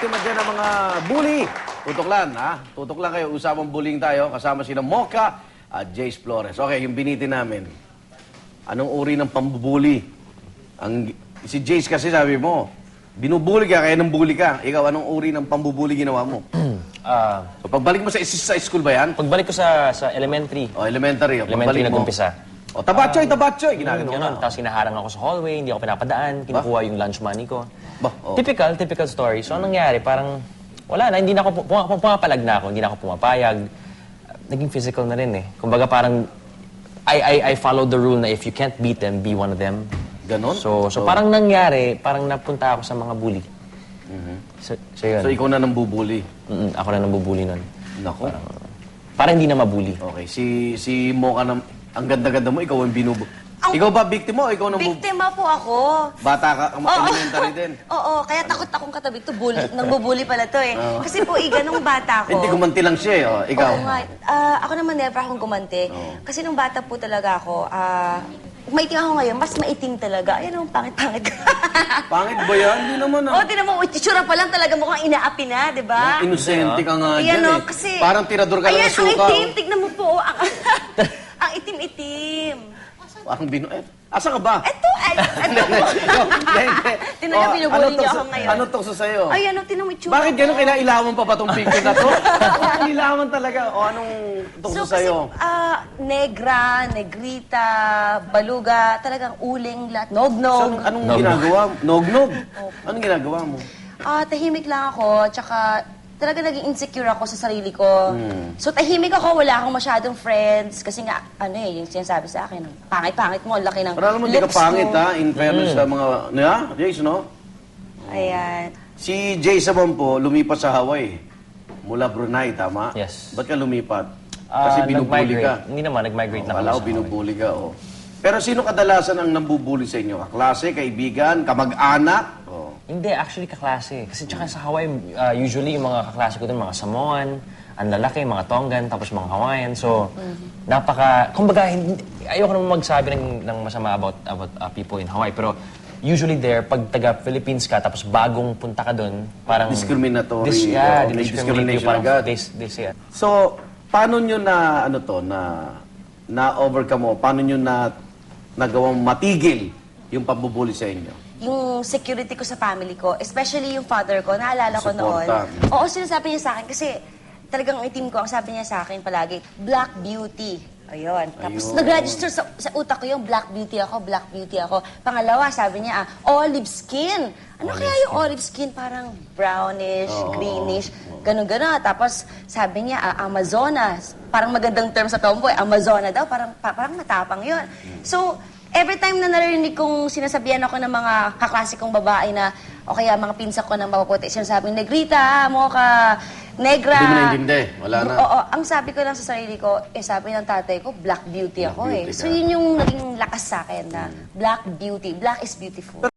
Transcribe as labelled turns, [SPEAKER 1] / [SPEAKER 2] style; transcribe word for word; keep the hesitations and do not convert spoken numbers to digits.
[SPEAKER 1] biktima dyan ng mga bully. Tutok lang, ha? Tutok lang kayo. Usapang bullying tayo. Kasama sila Mocha at Jace Flores. Okay, yung biniti namin. Anong uri ng pambubuli? Ang, si Jace kasi sabi mo, binubuli ka, kaya nang bully ka. Ikaw, anong uri ng pambubuli ginawa mo?
[SPEAKER 2] Ah,
[SPEAKER 1] So, pagbalik mo sa, sa school ba yan?
[SPEAKER 2] pagbalik ko sa sa elementary,
[SPEAKER 1] O, elementary. O,
[SPEAKER 2] elementary
[SPEAKER 1] pagbalik mo.
[SPEAKER 2] nag-umpisa.
[SPEAKER 1] O, tabatsoy, tabatsoy. Ginagano
[SPEAKER 2] Ganun,
[SPEAKER 1] ka.
[SPEAKER 2] tapos hinaharang ako sa hallway, hindi ako pinapadaan, kinukuha yung lunch money ko.
[SPEAKER 1] Ba, o.
[SPEAKER 2] Typical, typical story. So, anong nangyari? Parang, wala na, hindi na ako, pum- pum- pumapalag na ako, hindi na ako pumapayag. Naging physical na rin eh. Kumbaga parang, I, I, I followed the rule na if you can't beat them, be one of them.
[SPEAKER 1] Ganon?
[SPEAKER 2] So, so parang nangyari, parang napunta ako sa mga bully. So, so yun.
[SPEAKER 1] So, ikaw na nang bubuli.
[SPEAKER 2] Mm, ako na nambubuli nun.
[SPEAKER 1] Nako.
[SPEAKER 2] Parang hindi na mabully.
[SPEAKER 1] Okay, si si Mocha na, ang ganda-ganda mo, ikaw ang binubu. Ikaw ba biktima o ikaw nang bu-
[SPEAKER 3] Biktima po ako.
[SPEAKER 1] Bata ka, ang
[SPEAKER 3] Oo.
[SPEAKER 1] elementary din.
[SPEAKER 3] Oo, kaya takot akong katabi to. Bully, nangbubuli pala to eh. Kasi po, iga, nung bata ko...
[SPEAKER 1] Hindi, gumanti lang siya eh. Oh, ikaw.
[SPEAKER 3] Oo nga. Ah, ako naman never akong gumanti. Kasi nung bata po talaga ako, ah, maitim ako ngayon, mas maitim talaga. Ayun ang pangit-pangit.
[SPEAKER 1] Pangit ba yan? Hindi naman
[SPEAKER 3] Oo,
[SPEAKER 1] ah.
[SPEAKER 3] tinan mo, itsura pa lang talaga mukhang inaapi na, di ba?
[SPEAKER 1] Inosente ka nga
[SPEAKER 3] Ayan
[SPEAKER 1] dyan
[SPEAKER 3] o,
[SPEAKER 1] eh.
[SPEAKER 3] kasi...
[SPEAKER 1] Parang tirador ka lang
[SPEAKER 3] Ayan,
[SPEAKER 1] ng suka.
[SPEAKER 3] ang itim, tignan mo po. Ang, ang itim-itim.
[SPEAKER 1] Parang binu... Eh, asa ka ba?
[SPEAKER 3] Eto, ay, eto po. Tinan niyo, binubuli niyo ako ngayon.
[SPEAKER 1] Ano tukso sa'yo?
[SPEAKER 3] Ay, ano, tinan mo itsura.
[SPEAKER 1] Bakit gano'n kinailawan pa ba itong picture na to? Kinailawan talaga. O anong tukso
[SPEAKER 3] So, kasi,
[SPEAKER 1] sa'yo?
[SPEAKER 3] ah, negra, negrita, baluga, talagang uling lahat, nog-nog.
[SPEAKER 1] So, anong ginagawa mo? Nog-nog? Anong ginagawa mo?
[SPEAKER 3] Ah, tahimik lang ako, tsaka talaga naging insecure ako sa sarili ko. So, tahimik ako, wala akong masyadong friends. Kasi nga, ano eh, yung sinasabi sa akin, pangit-pangit mo, ang laki ng
[SPEAKER 1] Para naman di ka
[SPEAKER 3] lips
[SPEAKER 1] pangit
[SPEAKER 3] mo.
[SPEAKER 1] ha, in fairness sa mga... Yeah, Jace, no?
[SPEAKER 3] Ayan.
[SPEAKER 1] Si Jace naman po, lumipat sa Hawaii. Mula Brunei, tama?
[SPEAKER 2] Yes.
[SPEAKER 1] Ba't ka lumipat?
[SPEAKER 2] Ah,
[SPEAKER 1] Kasi binubuli
[SPEAKER 2] nag-migrate.
[SPEAKER 1] ka.
[SPEAKER 2] Hindi naman, nag-migrate na
[SPEAKER 1] Wala ko,
[SPEAKER 2] ako sa
[SPEAKER 1] binubuli ka, oh. Pero sino kadalasan ang nambubuli sa inyo? Kaklase, kaibigan, kamag-anak? Oh.
[SPEAKER 2] Hindi, actually kaklase. Kasi tsaka sa Hawaii, uh, usually yung mga kaklase ko dun, mga Samoan, ang lalaki, mga Tongan, tapos mga Hawaiian. So, napaka... Kumbaga, hindi, ayoko naman magsabi ng, ng masama about, about uh, people in Hawaii. Pero usually there, pag taga-Philippines ka, tapos bagong punta ka dun, parang...
[SPEAKER 1] Discriminatory.
[SPEAKER 2] Dis, yeah,
[SPEAKER 1] Oh, may
[SPEAKER 2] discriminate you.
[SPEAKER 1] discrimination
[SPEAKER 2] Parang
[SPEAKER 1] agad.
[SPEAKER 2] they, they say, uh,
[SPEAKER 1] So, paano nyo na, ano to, na, na-overcome mo? Paano nyo na, nagawang matigil yung pambubuli sa inyo?
[SPEAKER 3] Yung security ko sa family ko, especially yung father ko, naalala ko noon.
[SPEAKER 1] Suporta.
[SPEAKER 3] Oo, sinasabi niya sa akin kasi talagang ang itim ko, ang sabi niya sa akin palagi, black beauty. Ayun. Tapos
[SPEAKER 1] Ayun.
[SPEAKER 3] nag-register sa, sa utak ko yung black beauty ako, black beauty ako. Pangalawa, sabi niya, ah, olive skin. Ano kaya yung olive skin? Parang brownish, greenish, ganun-ganun. Tapos sabi niya, ah, Amazonas. Parang magandang term sa tomboy, Amazona daw, parang, pa- parang matapang yun. So, every time na narinig kong sinasabihan ako ng mga kaklasikong babae na, o kaya mga pinsa ko na mapaputi, sinasabi, Negrita, Mocha, Negra.
[SPEAKER 1] Hindi mo naintindi. Wala na.
[SPEAKER 3] Oo, ang sabi ko lang sa sarili ko, eh sabi ng tatay ko, black beauty
[SPEAKER 1] Black
[SPEAKER 3] ako
[SPEAKER 1] beauty
[SPEAKER 3] eh. So
[SPEAKER 1] ka.
[SPEAKER 3] yun yung naging lakas sa akin na black beauty. Black is beautiful.